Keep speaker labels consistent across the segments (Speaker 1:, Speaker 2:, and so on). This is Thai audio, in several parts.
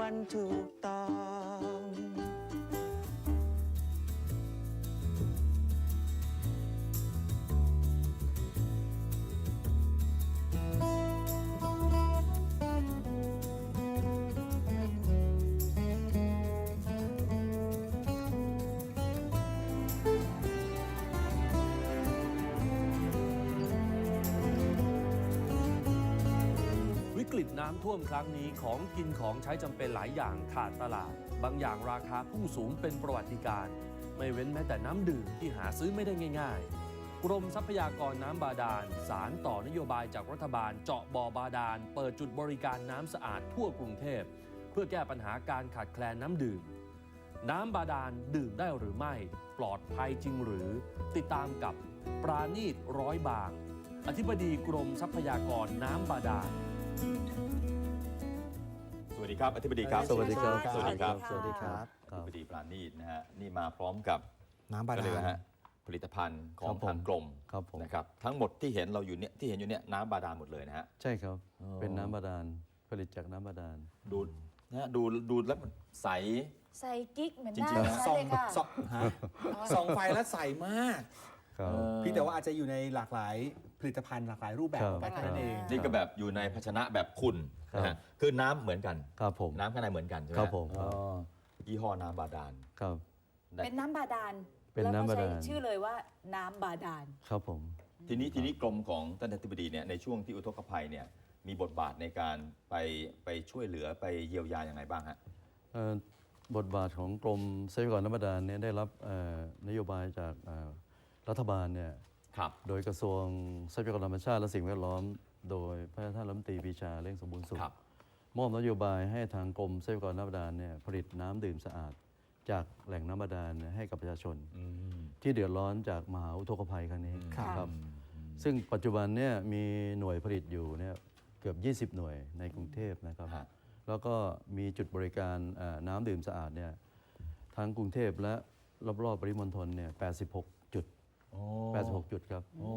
Speaker 1: มันถูกต้อง
Speaker 2: วิกฤตน้ำท่วมครั้งนี้ของกินของใช้จำเป็นหลายอย่างขาดตลาดบางอย่างราคาพุ่งสูงเป็นประวัติการณ์ไม่เว้นแม้แต่น้ำดื่มที่หาซื้อไม่ได้ง่ายๆกรมทรัพยากรน้ำบาดาลสารต่อนโยบายจากรัฐบาลเจาะบ่อบาดาลเปิดจุดบริการน้ำสะอาดทั่วกรุงเทพเพื่อแก้ปัญหาการขาดแคลนน้ำดื่มน้ำบาดาลดื่มได้หรือไม่ปลอดภัยจริงหรือติดตามกับปราณีตร้อยบางอธิบดีกรมทรัพยากรน้ำบาดาล
Speaker 3: สวัสดีครับอธิบดีครับ
Speaker 4: สวัสดีครับ
Speaker 3: สวัสดีครับ
Speaker 4: สวัสดีครับ
Speaker 3: อธิบดีปราณีตนะฮะนี่มาพร้อมกับ
Speaker 4: น้ำบา
Speaker 3: ก็
Speaker 4: ดา
Speaker 3: เลย
Speaker 4: ล
Speaker 3: ฮะผลิตภัณฑ์ของ
Speaker 4: ครับผม
Speaker 3: ทางกรม
Speaker 4: ครับผม
Speaker 3: นะครับทั้งหมดที่เห็นเราอยู่เนี่ยที่เห็นอยู่เนี่ยน้ำบาดาลหมดเลยนะฮะ
Speaker 4: ใช่ครับ
Speaker 3: อ๋อ
Speaker 4: เป็นน้ำบาดาลผลิตจากน้ำบาดาล
Speaker 3: ดูนะฮะดูแล้วมันใส
Speaker 5: ใส่กิ๊กเหมือนห
Speaker 3: จริ
Speaker 5: น้าง
Speaker 3: ๆนะ
Speaker 5: ฉันเลยค่ะ
Speaker 6: ส่องไฟแล้วใสมาก
Speaker 4: ครับ
Speaker 6: พี่แต่ว่าอาจจะอยู่ในหลากหลายผลิตภัณฑ์หลากหลายรูปแบบ
Speaker 4: ครับ
Speaker 6: กันแค่นั้นเอง
Speaker 3: นี่ก็แบบอยู่ในภาชนะแบบคุณนะฮะคือน้ำเหมือนกัน
Speaker 4: ครับผม
Speaker 3: น้ำข้างในเหมือนกันใช่ไหม
Speaker 4: ครับผม
Speaker 3: อ๋อยี่ห้อน้ำบาดาล
Speaker 4: ครับ
Speaker 5: เป็นน้ำบาดาล
Speaker 4: เป็นน้ำบาดาล
Speaker 5: แล้วก็ใช้ชื่อเลยว่าน้ำบาดาล
Speaker 4: ครับผม
Speaker 3: ทีนี้กรมของท่านอธิบดีเนี่ยในช่วงที่อุทกภัยเนี่ยมีบทบาทในการไปช่วยเหลือไปเยียวยาอย่างไรบ้างฮะ
Speaker 4: บทบาทของกรมทรัพยากรน้ำบาดาลเนี่ยได้รับนโยบายจากรัฐบาลเนี่ย
Speaker 3: ครับ
Speaker 4: โดยกระทรวงทรัพยากรธรรมชาติและสิ่งแวดล้อม โดยพระท่านรัฐมนตรีปรีชาเร่งสมบูรณ์สุข
Speaker 3: ครับ
Speaker 4: มอบนโยบายให้ทางกรมทรัพยากรน้ำบาดาลเนี่ยผลิตน้ำดื่มสะอาด จากแหล่งน้ำบาดาลเนี่ยให้กับประชาชน ที่เดือดร้อนจากมหาอุทกภัยครั้งนี้
Speaker 5: ครับ
Speaker 4: ซึ่งปัจจุบันเนี่ยมีหน่วยผลิตอยู่เนี่ยเกือบ 20 หน่วยในกรุงเทพนะครับ
Speaker 3: ฮะ
Speaker 4: แล้วก็มีจุดบริการน้ำดื่มสะอาดเนี่ยทั้งกรุงเทพและรอบๆปริมณฑลเนี่ย86 จุด 86 จุดครับ
Speaker 3: โอ้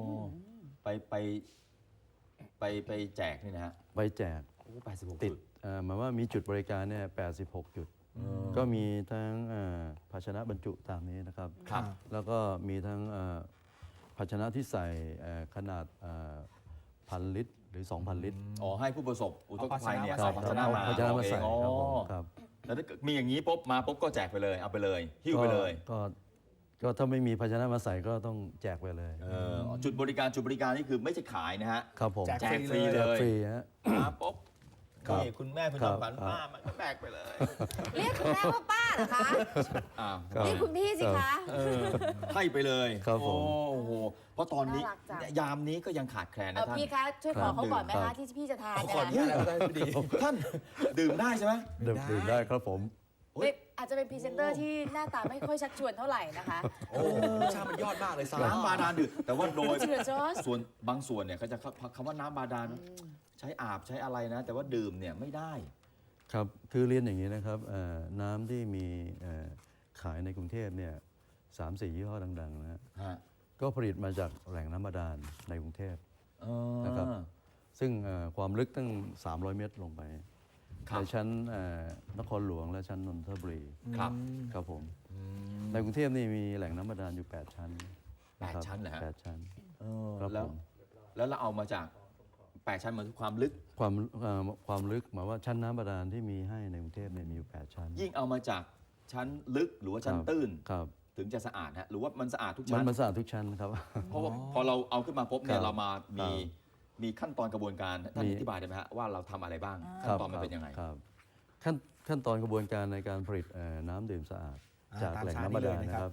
Speaker 3: ไปแจกนี่นะฮะ
Speaker 4: ไปแจก
Speaker 3: โอ้86
Speaker 4: ติดหมายว่ามีจุดบริการเนี่ย86 จุด ก็มีทั้งภาชนะบรรจุตามนี้นะครับ
Speaker 3: ครับ
Speaker 4: แล้วก็มีทั้งภาชนะที่ใส่ขนาด1,000 ลิตรหรือ 2,000 ลิตร
Speaker 3: อ๋อให้ผู้ประสบอุทกภัยเนี่ย
Speaker 4: ครั
Speaker 3: เอาภาชนะมา
Speaker 4: ภาชนะมาใส่
Speaker 3: เอง
Speaker 4: ครับผม
Speaker 3: อ๋อ
Speaker 4: ครับ
Speaker 3: แล้วถ้าเกิดมีอย่างนี้ปุ๊บมาปุ๊บก็แจกไปเลยเอาไปเลยหิ้วไปเลย
Speaker 4: ก็ถ้าไม่มีภาชนะมาใส่ก็ต้องแจกไปเลย
Speaker 3: จุดบริการนี่คือไม่ใช่ขายนะฮะ
Speaker 4: ครับผม
Speaker 3: แจกฟรีเล
Speaker 4: แจก
Speaker 3: ย
Speaker 4: ฟรีฮะ
Speaker 3: มาปุ๊บ
Speaker 4: ครับ
Speaker 3: นี่คุณแม่คุณ
Speaker 4: ครับ
Speaker 3: จอมขวัญป้ามันก็แบกไปเลย
Speaker 5: เรียกคุณแม่ว่าป้าเหรอคะ
Speaker 3: อ้าว
Speaker 4: ครับ
Speaker 5: เรียกคุณพี่สิคะ
Speaker 3: ให้ไปเลย
Speaker 4: ครับผม
Speaker 3: โอ้โหเพราะตอนนี้
Speaker 5: น่ารักจัง
Speaker 3: ยามนี้ก็ยังขาดแคลนนะท่าน
Speaker 5: พี่คะช่วยขอเขาก่อนไหม
Speaker 4: ครั
Speaker 5: คะ
Speaker 4: บ
Speaker 5: ที่พี่จะทาน
Speaker 6: เอา
Speaker 5: เน
Speaker 6: ขออนุ
Speaker 5: ย
Speaker 6: ญาตแล้วได้พอดี
Speaker 3: ท่านดื่มได้ใช่ไหม
Speaker 4: ดื่มได้ครับผม
Speaker 5: ไม่อาจจะเป็นพรีเซนเตอร์ที่หน้าตาไม่ค่อยชักชวนเท่าไหร่นะคะ
Speaker 6: โอ้ชามันยอดมากเลยสา
Speaker 3: น้ำบาดาลดื่มแต่ว่าโดย
Speaker 5: จริงเหรอจอร์จ
Speaker 3: ส่วนบางส่วนเนี่ยเขาจะคำว่าน้ำบาดาลใช้อาบใช้อะไรนะ แต่ว่าดื่มเนี่ยไม่ได้
Speaker 4: ครับคือเรียนอย่างนี้นะครับน้ำที่มีขายในกรุงเทพเนี่ย3-4 ยี่ห้อดังๆนะฮะ
Speaker 3: ฮะ
Speaker 4: ก็ผลิตมาจากแหล่งน้ำบาดาลในกรุงเทพ
Speaker 3: อ๋อ
Speaker 4: นะครับ ซึ่งความลึกตั้ง 300 เมตรลงไป
Speaker 3: ครับ
Speaker 4: ในชั้นนครหลวงและชั้นนนทบุรี
Speaker 3: ครับ
Speaker 4: ครับผมในกรุงเทพนี่มีแหล่งน้ำบาดาลอยู่ 8 ชั้นนะครับ
Speaker 3: 8 ชั้นเหรอฮะ
Speaker 4: 8 ชั้น
Speaker 3: เออ
Speaker 4: ครับ
Speaker 3: แล้ว
Speaker 4: ผม
Speaker 3: แล้วเราเอามาจาก8 ชั้นเหมือนความลึก
Speaker 4: ความลึกหมายว่าชั้นน้ำบาดาลที่มีให้ในกรุงเทพเนี่ยมีอยู่ 8 ชั้น
Speaker 3: ยิ่งเอามาจากชั้นลึกหรือว่าชั้น
Speaker 4: ครับ
Speaker 3: ตื้น
Speaker 4: ครับ
Speaker 3: ถึงจะสะอาดฮะหรือว่ามันสะอาดทุก
Speaker 4: มั
Speaker 3: ชั้
Speaker 4: น
Speaker 3: น
Speaker 4: มันสะอาดทุกชั้นครับ
Speaker 3: เพราะว่าพอเราเอาขึ้นมาปุ๊บเนี่
Speaker 4: ค
Speaker 3: ย
Speaker 4: รับ
Speaker 3: เรามามี
Speaker 4: ครับ
Speaker 3: มีขั้นตอนกระบวนการท่าน
Speaker 4: มี
Speaker 3: อธิบายได้ไหมฮะว่าเราทำอะไรบ้าง
Speaker 4: ค
Speaker 3: ขั้น
Speaker 4: รับ
Speaker 3: ตอนมันเป็นยังไง
Speaker 4: ครับขั้นตอนกระบวนการในการผลิตน้ำดื่มสะอาด จาก
Speaker 6: ตาม
Speaker 4: แหล่ง
Speaker 6: ชาร์ต
Speaker 4: น้ำบาดาล
Speaker 6: นี้เลย
Speaker 4: นะ
Speaker 6: นะ
Speaker 4: ค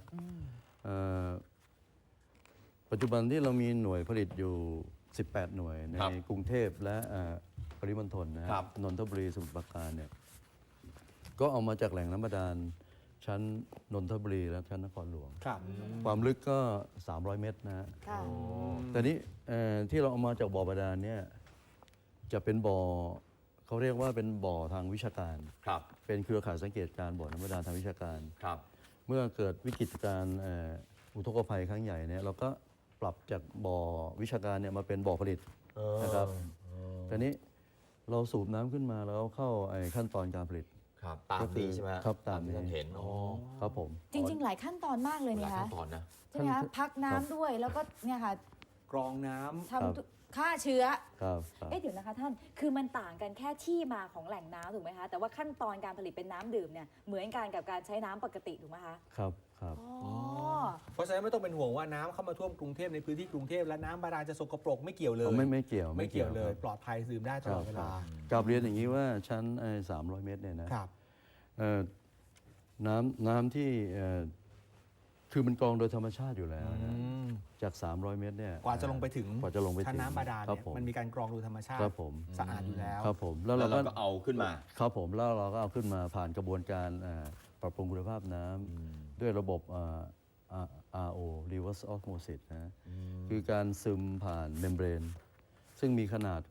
Speaker 6: ครั
Speaker 4: รับ บปัจจุบันที่เรามีหน่วยผลิตอยู่ 18 หน่วยใน
Speaker 3: ครับ
Speaker 4: กรุงเทพและปริมณฑลนะค
Speaker 3: ครั
Speaker 4: รับบ นนทบุรีสมุทรปราการเนี่ยก็เอามาจากแหล่งน้ำบาดาลชั้นนนทบุรีและชั้นนครหลวง
Speaker 6: ครับ
Speaker 4: ความลึกก็ 300 เมตรนะฮะ
Speaker 5: ค่ะ
Speaker 4: แต่นี้ที่เราเอามาจากบ่อบาดาลเนี่ยจะเป็นบ่อเขาเรียกว่าเป็นบ่อทางวิชาการ
Speaker 3: ครับ
Speaker 4: เป็นเครือข่ายสังเกตการณ์บ่อน้ำบาดาลทางวิชาการ
Speaker 3: ครับ
Speaker 4: เมื่อเกิดวิกฤตการณ์อุทกภัยครั้งใหญ่เนี่ยเราก็ปรับจากบ่อวิชาการเนี่ยมาเป็นบ่อผลิตนะครับแต่นี้เราสูบน้ำขึ้นมาแล้วเข้าขั้นตอนการผลิต
Speaker 3: ครับตามนี้ใช่ไหม
Speaker 4: ครับตามนี้
Speaker 3: ที่ท่านเห็นอ๋อ
Speaker 4: ครับผม
Speaker 5: จริง ๆ หลายขั้นตอนมากเลย
Speaker 3: หลา
Speaker 5: เนี่ย ย
Speaker 3: ขั้
Speaker 5: คะ
Speaker 3: นตอนนะ
Speaker 5: ใช่ไหมคะพักน้ำด้วยแล้วก็เนี่ยค่ะ
Speaker 6: กรองน้ำ
Speaker 5: ทำฆ่าเชื้อ
Speaker 4: ครับครับ
Speaker 5: เดี๋ยวนะคะท่านคือมันต่างกันแค่ที่มาของแหล่งน้ำถูกไหมคะแต่ว่าขั้นตอนการผลิตเป็นน้ำดื่มเนี่ยเหมือนกันกับการใช้น้ำปกติถูกไหมคะ
Speaker 4: ครับครับ
Speaker 5: อ๋อ
Speaker 6: เพราะฉะนั้นไม่ต้องเป็นห่วงว่าน้ำเข้ามาท่วมกรุงเทพในพื้นที่กรุงเทพและน้ำบาดาลจะสกปรกไม่เกี่ยวเลย
Speaker 4: ไม่เกี่ยว
Speaker 6: ไม่เกี่ยวเลย
Speaker 4: ครับ
Speaker 6: ปลอดภัยดื่มได้ตลอดเวลา
Speaker 4: กลับเรียนอย่างนี้ว่าชั้น300 เมตรเนี่ยนะครับ เอ่อน้ำที่คือมันกรองโดยธรรมชาติอยู่แล้วนะจาก 300 เมตรเนี่ย
Speaker 6: กว่าจะลงไปถึง
Speaker 4: กว่าจะลงไป
Speaker 6: ชั้น
Speaker 4: ถึง
Speaker 6: น้ำบาดาล
Speaker 4: ครั
Speaker 6: เนี่
Speaker 4: บ
Speaker 6: ย
Speaker 4: ผม
Speaker 6: มันมีการกรองโดยธรรมชาติ
Speaker 4: ครับผม
Speaker 6: สะอาดอยู่แล้ว
Speaker 4: ครับผม
Speaker 3: แล้วเราก็เอาขึ้นมา
Speaker 4: ครับผมแล้วเราก็เอาขึ้นมาผ่านกระบวนการปรับปรุงคุณภาพน้ำด้วยระบบRO reverse osmosis นะคือการซึมผ่านเมมเบรนซึ่งมีขนาด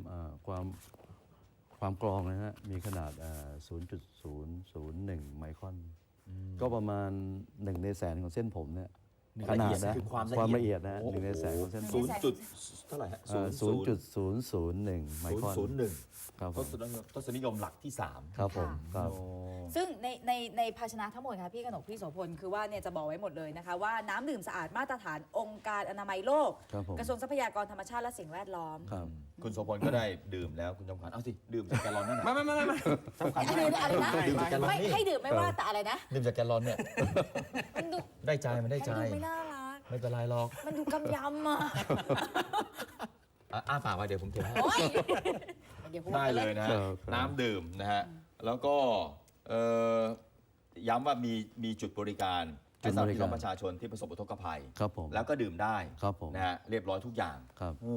Speaker 4: ความกรองนะฮะมีขนาด0.001 ไมครอน ก็ประมาณ1 ในแสนของเส้นผมเนี่ย ขนาดนะ
Speaker 3: คือความ
Speaker 4: ความ
Speaker 3: ละ
Speaker 4: ละ
Speaker 3: เอี
Speaker 4: เอี
Speaker 3: ย
Speaker 4: ย
Speaker 3: ด
Speaker 4: ดนะ
Speaker 3: โอ้โห
Speaker 4: 1 ในแสนของเส้นผม
Speaker 3: ศูนย์จุดเท่าไหร่ฮะ
Speaker 4: 0.001 ไมครอน
Speaker 3: 0.01
Speaker 4: ครับผม
Speaker 3: ทศนิยมหลักที่ 3
Speaker 4: ครับผมครับ
Speaker 5: ซึ่งในภาชนะทั้งหมดค่ะพี่กนกพี่โสพลคือว่าเนี่ยจะบอกไว้หมดเลยนะคะว่าน้ำดื่มสะอาดมาตรฐานองค์การอนามัยโลก
Speaker 4: ครับผม
Speaker 5: กระทรวงทรัพยากรธรรมชาติและสิ่งแวดล้อม
Speaker 4: ครับ
Speaker 3: คุณโสพลก็ได้ดื่มแล้วคุณจอมขวัญเอาสิ ดื่มจากแกลลอนนั่นแหละ
Speaker 6: ไม่สำคัญ
Speaker 5: อะไรนะอะไรนะ
Speaker 3: ดื่มจากแกลลอน
Speaker 5: ไม่
Speaker 3: นี่
Speaker 5: ให้ดื่มไม่ว่าแต่อะไรนะ
Speaker 3: ดื่มจากแกลลอนเนี่ย
Speaker 5: มันดู
Speaker 3: ได้ใจมันได้ใจ
Speaker 5: มันดูไม่น่ารัก
Speaker 3: ไม่เป็นไรหรอก
Speaker 5: มันดูกำยำอ่ะ
Speaker 3: อ้าปากมาเดี๋ยวผมเทให้
Speaker 5: โอ๊ยเดี๋ยวพูด
Speaker 3: ได้เลยนะฮะ
Speaker 4: ครับครับ
Speaker 3: น้ำดื่มนะฮะ แล้วก็ย้ำว่ามีจุดบริการให้สำหรับพี่น้องประชาชนที่ประสบอุทกภัย
Speaker 4: ครับผม
Speaker 3: แล้วก็ดื่มได้
Speaker 4: ครับผม
Speaker 3: นะฮะเรียบร้อยทุกอย่าง
Speaker 4: ครับ